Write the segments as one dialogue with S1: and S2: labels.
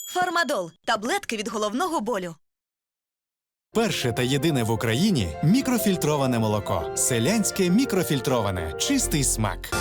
S1: Фармадол – таблетки від головного болю.
S2: Перше та єдине в Україні мікрофільтроване молоко. Селянське мікрофільтроване. Чистий смак.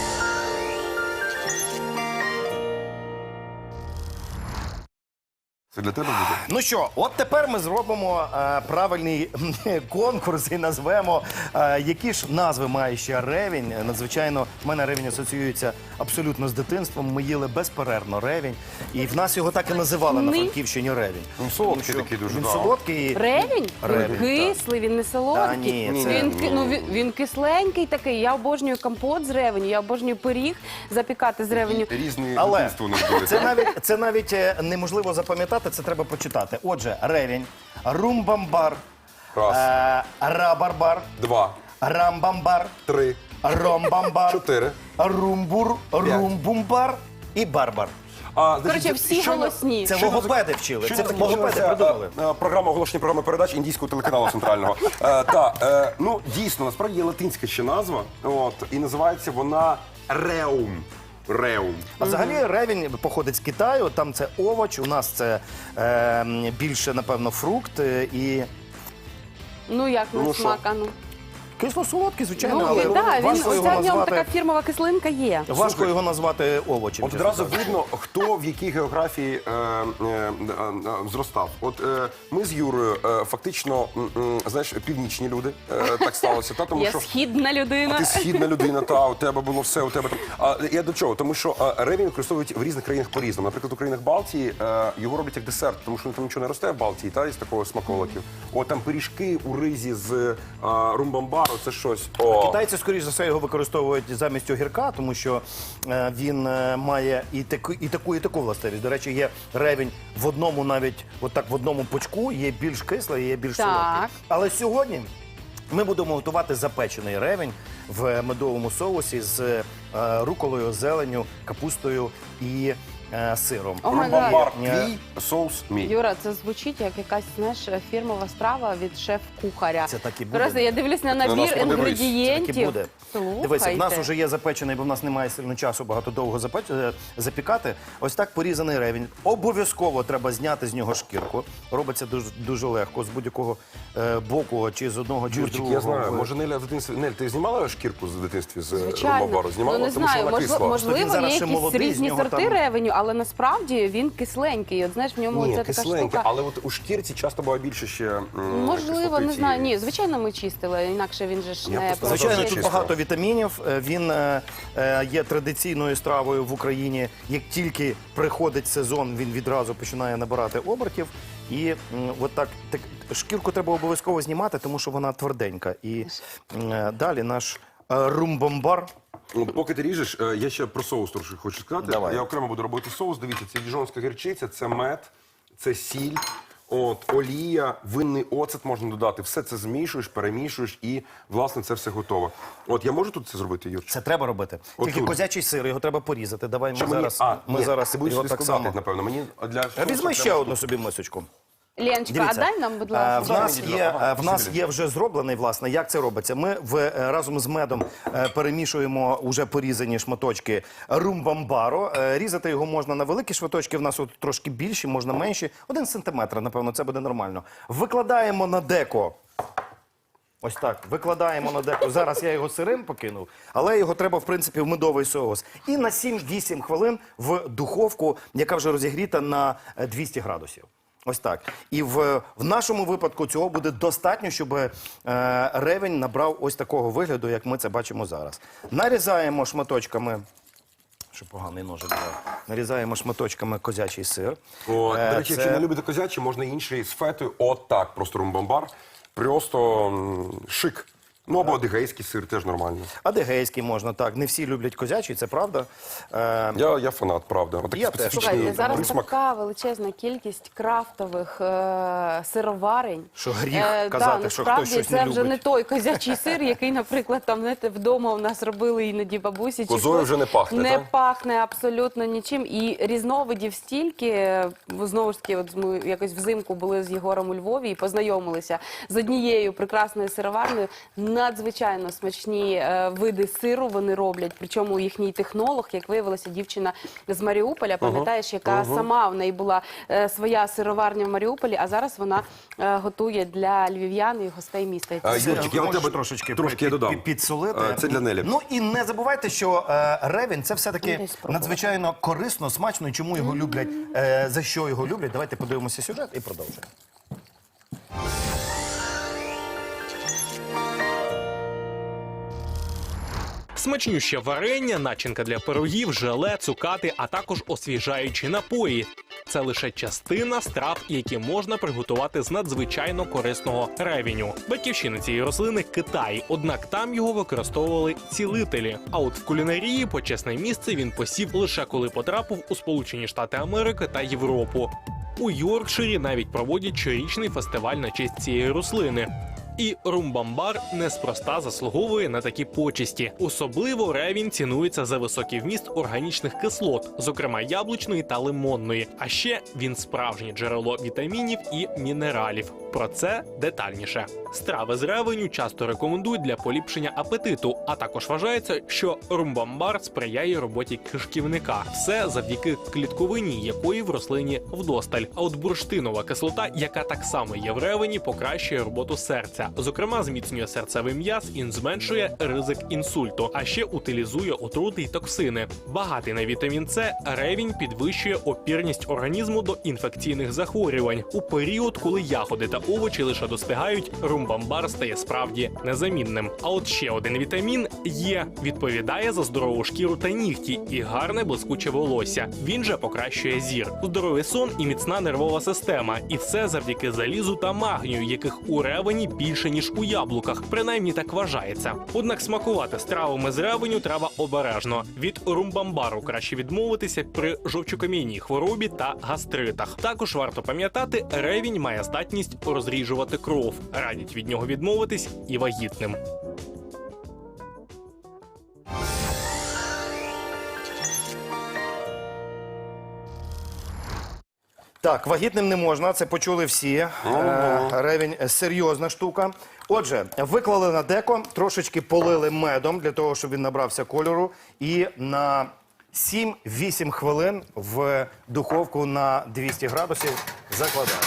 S3: Це для тебе буде?
S4: Ну що, от тепер ми зробимо правильний конкурс і назвемо, які ж назви має ще ревінь. Надзвичайно, в мене ревінь асоціюється абсолютно з дитинством. Ми їли безперервно ревінь. І в нас його так і називали на Франківщині ревінь.
S3: Він солодкий такий дуже.
S4: Він солодкий.
S5: Ревінь?
S4: Ревінь,
S5: Він кислий, він не солодкий.
S4: Та ні, це-
S5: Він кисленький такий. Я обожнюю компот з ревеню, я обожнюю пиріг запікати з ревеню.
S3: Різні
S4: Але
S3: дитинства у них були.
S4: це навіть неможливо запам'ятати, це треба почитати. Отже, ревінь, румбамбар,
S3: Раз,
S4: рабарбар,
S3: два,
S4: рамбамбар,
S3: три,
S4: ромбамбар,
S3: 4.
S4: румбур, румбумбар і барбар.
S5: Коротше, всі голосні.
S4: Це логопеди вчили. Це
S3: Щойно
S4: логопеди
S3: закінчилася
S4: придумали.
S3: програма оголошення програми передач індійського телеканалу центрального. Ну, дійсно, насправді є латинська ще назва, і називається вона реум. Реум.
S4: А взагалі ревінь походить з Китаю, там це овоч, у нас це більше, напевно, фрукт і
S5: Ну як
S3: Ну,
S5: на
S3: що?
S5: смак, а ну.
S4: кисло-солодкий, звичайно,
S5: Ну,
S4: але
S5: так,
S4: важко
S5: оця
S4: його
S5: в ньому така
S4: назвати,
S5: фірмова кислинка є.
S4: важко його назвати овочем.
S3: От
S4: чесно
S3: одразу
S4: кажучи.
S3: видно, хто в якій географії зростав. От ми з Юрою фактично, знаєш, північні люди, так сталося. Тому
S5: Я
S3: що
S5: східна людина.
S3: ти східна людина, у тебе було все, у тебе там. Я до чого? Тому що ревінь використовують в різних країнах по-різному. Наприклад, у країнах Балтії його роблять як десерт, тому що там нічого не росте в Балтії, із такого смаколиків. От там пиріжки у ризі з румбамбару, це щось.
S4: Китайці, скоріш за все, його використовують замість огірка, тому що він має і таку властивість. До речі, є ревінь в одному навіть, отак в одному пучку, є більш кислий, є більш
S5: Так.
S4: солодкий. Але сьогодні ми будемо готувати запечений ревінь в медовому соусі з руколою, зеленню, капустою і сиром.
S5: О май
S3: Румбамбар
S4: гад.
S3: твій, соус мій.
S5: Юра, це звучить як якась, знаєш, фірмова страва від шеф-кухаря.
S4: Це так і буде.
S5: Просто я дивлюсь на
S3: нас
S5: набір
S3: подивись.
S5: інгредієнтів.
S4: Так і буде.
S5: Слухайте.
S4: Дивися, в нас вже є запечений, бо в нас немає сильно часу багато довго запікати. Ось так порізаний ревінь. Обов'язково треба зняти з нього шкірку. Робиться дуже, дуже легко, з будь-якого боку, чи з одного, чи з
S3: Юрчик,
S4: другого.
S3: я знаю, може Неля в дитинстві. Нель, ти знімала шкірку в дитинстві з
S5: Звичайно.
S3: румбамбару? Знімала,
S5: Ну, не
S3: тому що
S5: знаю,
S3: вона кисла.
S4: Він
S5: можливо,
S4: зараз
S5: є
S4: ще
S5: якісь
S4: молодий, з
S5: різні
S4: нього
S5: сорти
S4: там-
S5: ревеню, але насправді він кисленький. От знаєш, в ньому
S3: Ні,
S5: це така
S3: кисленьке,
S5: штука.
S3: але от у шкірці часто буває більше ще
S5: Можливо,
S3: кислоти
S5: не знаю.
S3: цієї.
S5: Ні, звичайно, ми чистили, інакше він же ж
S3: Я
S5: не
S3: просто
S4: Звичайно,
S3: Дуже
S4: тут
S3: чисто.
S4: багато вітамінів. Він є традиційною стравою в Україні. Як тільки приходить сезон, він відразу починає набирати обертів. І от так шкірку треба обов'язково знімати, тому що вона тверденька. І далі наш румбамбар.
S3: От поки ти ріжеш, я ще про соус трошки хочу сказати.
S4: Давай.
S3: Я окремо буду робити соус. Дивіться, це діжонська гірчиця, це мед, це сіль, олія, винний оцет можна додати. Все це змішуєш, перемішуєш і, власне, це все готово. От я можу тут це зробити, Юр?
S4: Це треба робити.
S3: От
S4: Тільки
S3: тут.
S4: козячий сир, його треба порізати. Давай
S3: Чи
S4: ми зараз,
S3: ні,
S4: зараз
S3: ти будеш
S4: його
S3: сюди
S4: так
S3: складати,
S4: само.
S3: напевно. Мені для
S4: Візьми
S3: соусу
S4: ще
S3: треба-
S4: одну собі мисочку.
S5: Леночка, а
S4: Дивіться,
S5: дай нам, будь
S4: в
S5: ласка.
S4: нас є вже зроблений, власне, як це робиться. Ми разом з медом перемішуємо уже порізані шматочки румбамбару. Різати його можна на великі шматочки, в нас от трошки більші, можна менші. 1 сантиметр, напевно, це буде нормально. Викладаємо на деко. Ось так, викладаємо на деко. Зараз я його сирим покинув, але його треба, в принципі, в медовий соус. І на 7-8 хвилин в духовку, яка вже розігріта на 200 градусів. Ось так. І в нашому випадку цього буде достатньо, щоб ревень набрав ось такого вигляду, як ми це бачимо зараз. Нарізаємо шматочками, що поганий ножик був, нарізаємо шматочками козячий сир.
S3: До речі,
S4: Це-
S3: якщо не любите козячі, можна інший з фетою. От так, просто румбамбар. Просто шик. Ну, або адигейський сир теж нормально.
S4: Адигейський можна, так. Не всі люблять козячий, це правда.
S3: Я фанат, правда. Отакий
S4: Я теж.
S3: специфічний
S5: Слухайте, зараз
S3: присмак.
S5: така величезна кількість крафтових сироварень.
S4: Що гріх казати, що хтось щось
S5: це
S4: не
S5: вже
S4: любить.
S5: не той козячий сир, який, наприклад, там, знаєте, вдома у нас робили іноді бабусі. чи
S3: Козою
S5: хтось.
S3: вже не пахне,
S5: Не
S3: так?
S5: пахне абсолютно нічим. І різновидів стільки. Знову ж таки, от ми якось взимку були з Єгором у Львові і познайомилися з однією прекрасною сироварнею. надзвичайно смачні види сиру вони роблять. Причому їхній технолог, як виявилося, дівчина з Маріуполя, пам'ятаєш, яка сама в неї була своя сироварня в Маріуполі, а зараз вона готує для львів'ян і гостей міста. І це
S3: Юрчик, я у тебе трошки я додам.
S4: підсолити.
S3: Це для Нелі.
S4: Ну і не забувайте, що ревень це все-таки
S5: Десь спробувати.
S4: надзвичайно корисно, смачно. І чому його люблять, за що його люблять. Давайте подивимося сюжет і продовжуємо.
S6: Смачнюще варення, начинка для пирогів, желе, цукати, а також освіжаючі напої. Це лише частина страв, які можна приготувати з надзвичайно корисного ревеню. Батьківщина цієї рослини – Китай, однак там його використовували цілителі. А от в кулінарії почесне місце він посів лише коли потрапив у Сполучені Штати Америки та Європу. У Йоркширі навіть проводять щорічний фестиваль на честь цієї рослини. І румбамбар неспроста заслуговує на такі почесті. Особливо ревінь цінується за високий вміст органічних кислот, зокрема яблучної та лимонної. А ще він справжнє джерело вітамінів і мінералів. Про це детальніше. Страви з ревеню часто рекомендують для поліпшення апетиту, а також вважається, що румбамбар сприяє роботі кишківника. Все завдяки клітковині, якої в рослині вдосталь. А от бурштинова кислота, яка так само є в ревені, покращує роботу серця. Зокрема, зміцнює серцевий м'яз і зменшує ризик інсульту, а ще утилізує отрути й токсини. Багатий на вітамін С, ревінь підвищує опірність організму до інфекційних захворювань. У період, коли ягоди та овочі лише достигають, румбамбар стає справді незамінним. А от ще один вітамін Е відповідає за здорову шкіру та нігті і гарне блискуче волосся. Він же покращує зір, здоровий сон і міцна нервова система. І все завдяки залізу та магнію, яких у ревені більше, ніж у яблуках. Принаймні так вважається. Однак смакувати стравами з ревеню треба обережно. Від румбамбару краще відмовитися при жовчокам'яній хворобі та гастритах. Також варто пам'ятати, ревінь має здатність розріджувати кров. Радять від нього відмовитись і вагітним.
S4: Так, вагітним не можна, це почули всі. Ревень – серйозна штука. Отже, виклали на деко, трошечки полили медом, для того, щоб він набрався кольору. І на 7-8 хвилин в духовку на 200 градусів закладаємо.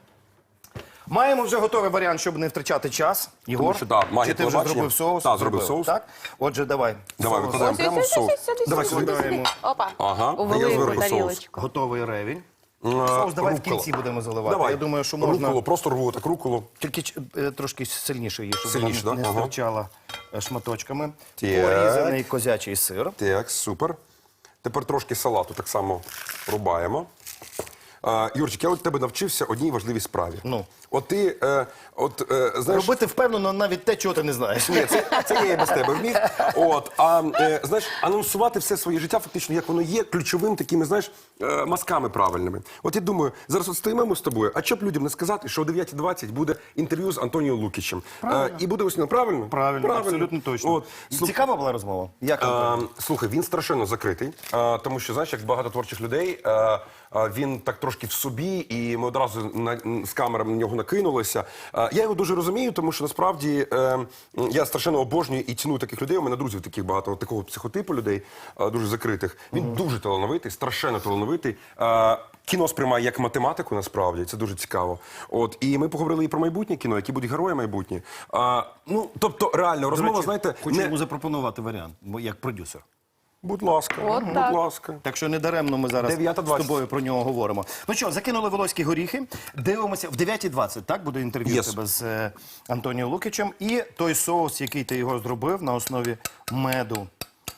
S4: Маємо вже готовий варіант, щоб не втрачати час. Ігор,
S3: що, так, магія
S4: чи ти вже
S3: телебачення.
S4: зробив соус?
S3: Так, зробив соус.
S4: Так? Отже, давай.
S3: Давай,
S4: Соус.
S3: викладаємо прямо в соус.
S4: Давай сюди.
S5: Опа,
S3: Ага,
S5: у
S3: а я
S5: велику
S3: зверху соус.
S5: тарілочку.
S4: Готовий ревень. Соус давай в
S3: Руккола.
S4: кінці будемо заливати.
S3: Давай.
S4: Я думаю, що можна...
S3: Рукколу, просто рву так рукколу.
S4: Тільки трошки сильніше її, щоб
S3: Сильніше,
S4: вона
S3: да?
S4: не
S3: Ага.
S4: стирчала шматочками.
S3: Так.
S4: Порізаний козячий сир.
S3: Так, супер. Тепер трошки салату так само рубаємо. Юрчик, я от тебе навчився одній важливій справі.
S4: Ну?
S3: От ти, знаєш...
S4: Робити впевнено навіть те, чого ти не знаєш.
S3: Ні, це я і без тебе вмів. Знаєш, анонсувати все своє життя фактично, як воно є, ключовим такими, знаєш, мазками правильними. От я думаю, зараз от стоїмо ми з тобою, а що б людям не сказати, що о 9:20 буде інтерв'ю з Антоніо Лукічем. І буде ось, правильно?
S4: Правильно, абсолютно точно.
S3: От.
S4: Цікава була розмова? Як вам?
S3: Слухай, він страшенно закритий, тому що, знаєш, як багато творчих людей, він так трошки в собі, і ми одразу з камерами на нього накинулися. Я його дуже розумію, тому що насправді я страшенно обожнюю і ціную таких людей. У мене друзів таких багато, такого психотипу людей, дуже закритих. Він дуже талановитий, страшенно талановитий. Кіно сприймає як математику, насправді, це дуже цікаво. От, і ми поговорили і про майбутнє кіно, які будуть герої майбутні. Тобто, реально, розмова, знаєте,
S4: Хочу йому запропонувати варіант, як продюсер.
S3: Будь ласка,
S5: От
S3: будь
S5: так.
S3: ласка.
S4: Так що не даремно ми зараз
S3: 9:20.
S4: з тобою про нього говоримо. Ну що, закинули волоські горіхи, дивимося, в 9:20, так, буде інтерв'ю
S3: Yes.
S4: тебе з Антоніо Лукічем. І той соус, який ти його зробив на основі меду.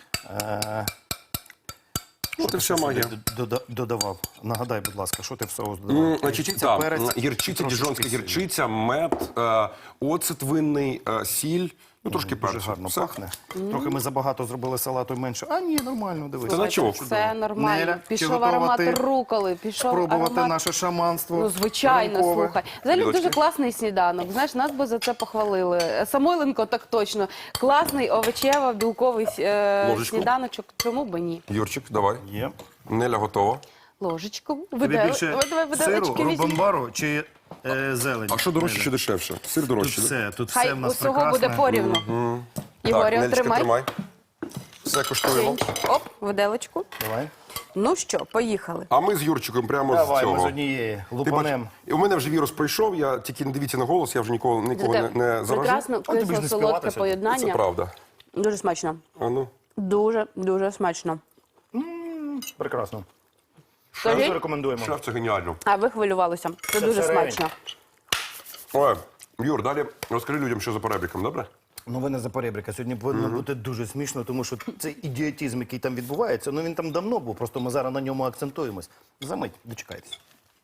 S3: От і вся магія.
S4: Додавав. Нагадай, будь ласка, що ти в соус додавав?
S3: Значить,
S4: перець,
S3: гірчиця,
S4: трошечки
S3: діжонська
S4: сіль.
S3: гірчиця, мед, оцет винний, сіль, трошки
S4: Дуже
S3: перцю.
S4: гарно
S3: Все.
S4: пахне. Трохи ми забагато зробили салату менше. А ні, нормально, дивись.
S3: Та на чого?
S5: Це нормально.
S4: Неля, чи
S5: Пішов
S4: готова
S5: аромат
S4: ти
S5: руколи, пішов
S4: спробувати
S5: аромат...
S4: наше шаманство?
S5: Ну, звичайно,
S4: ранкове?
S5: слухай. Взагалі
S3: Лілочки.
S5: дуже класний сніданок. Знаєш, нас би за це похвалили. Самойленко так точно. Класний овочево-білковий
S3: Ложечку.
S5: сніданочок. Чому би ні?
S3: Юрчик, давай.
S4: Є.
S3: Неля готова.
S5: Ложечку.
S4: Тобі більше
S5: Давай,
S4: сиру,
S5: виделочки візьми.
S4: рубамбару чи зелень.
S3: А що дорожче, що дешевше? Сир
S4: Тут
S3: дорожче, да?
S4: все, тут
S5: Хай
S4: все в нас
S5: усього
S4: прекрасне.
S5: буде порівну. Ігорю,
S3: Нелічка,
S5: тримай.
S3: тримай. Все коштуємо.
S5: Оп, виделочку.
S4: Давай.
S5: Ну що, поїхали.
S3: А ми з Юрчиком прямо
S4: Давай,
S3: з
S4: ми з
S3: цього.
S4: однієї
S3: Ти
S4: лупанем.
S3: бач, у мене вже вірус пройшов, я тільки не дивіться на голос, я вже нікого не заражу.
S5: Прекрасно,
S4: тобі ж не
S5: кисло-солодке
S4: співати сьогодні.
S3: Це
S5: поєднання.
S3: правда.
S5: Дуже смачно.
S3: А ну.
S5: Дуже, дуже смачно.
S4: Прекрасно.
S5: Скажіть?
S4: Дуже рекомендуємо.
S3: Шеф, це геніально.
S5: А ви хвилювалися. Це дуже
S4: все ревень.
S5: смачно.
S3: Ой, Юр, далі розкажи людям, що за перебріком, добре?
S4: Ну, ви не за поребрика. Сьогодні повинно бути дуже смішно, тому що цей ідіотизм, який там відбувається, ну він там давно був, просто ми зараз на ньому акцентуємось. Замить, дочекайтесь.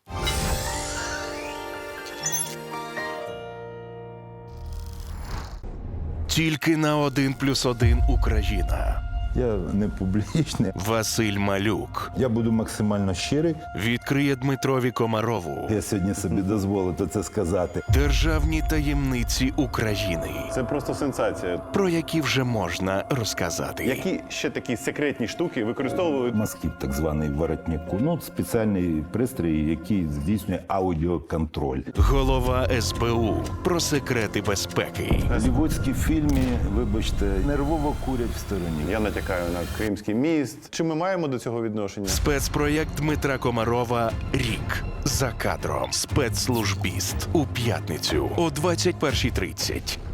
S7: Тільки на 1+1 Україна.
S8: Я не публічний.
S7: Василь Малюк
S8: Я буду максимально щирий.
S7: відкриє Дмитрові Комарову
S8: Я сьогодні собі дозволив це сказати.
S7: державні таємниці України,
S9: Це просто сенсація.
S7: про які вже можна розказати.
S9: Які ще такі секретні штуки використовують?
S8: Москіт, так званий воротнику. Ну, спеціальний пристрій, який здійснює аудіоконтроль.
S7: Голова СБУ про секрети безпеки.
S8: Голлівудські в фільмі, вибачте, нервово курять в стороні.
S9: Я натякаю на Кримський міст. Чи ми маємо до цього відношення?
S7: Спецпроєкт Дмитра Комарова «Рік. За кадром. Спецслужбіст» у п'ятницю о 21:30.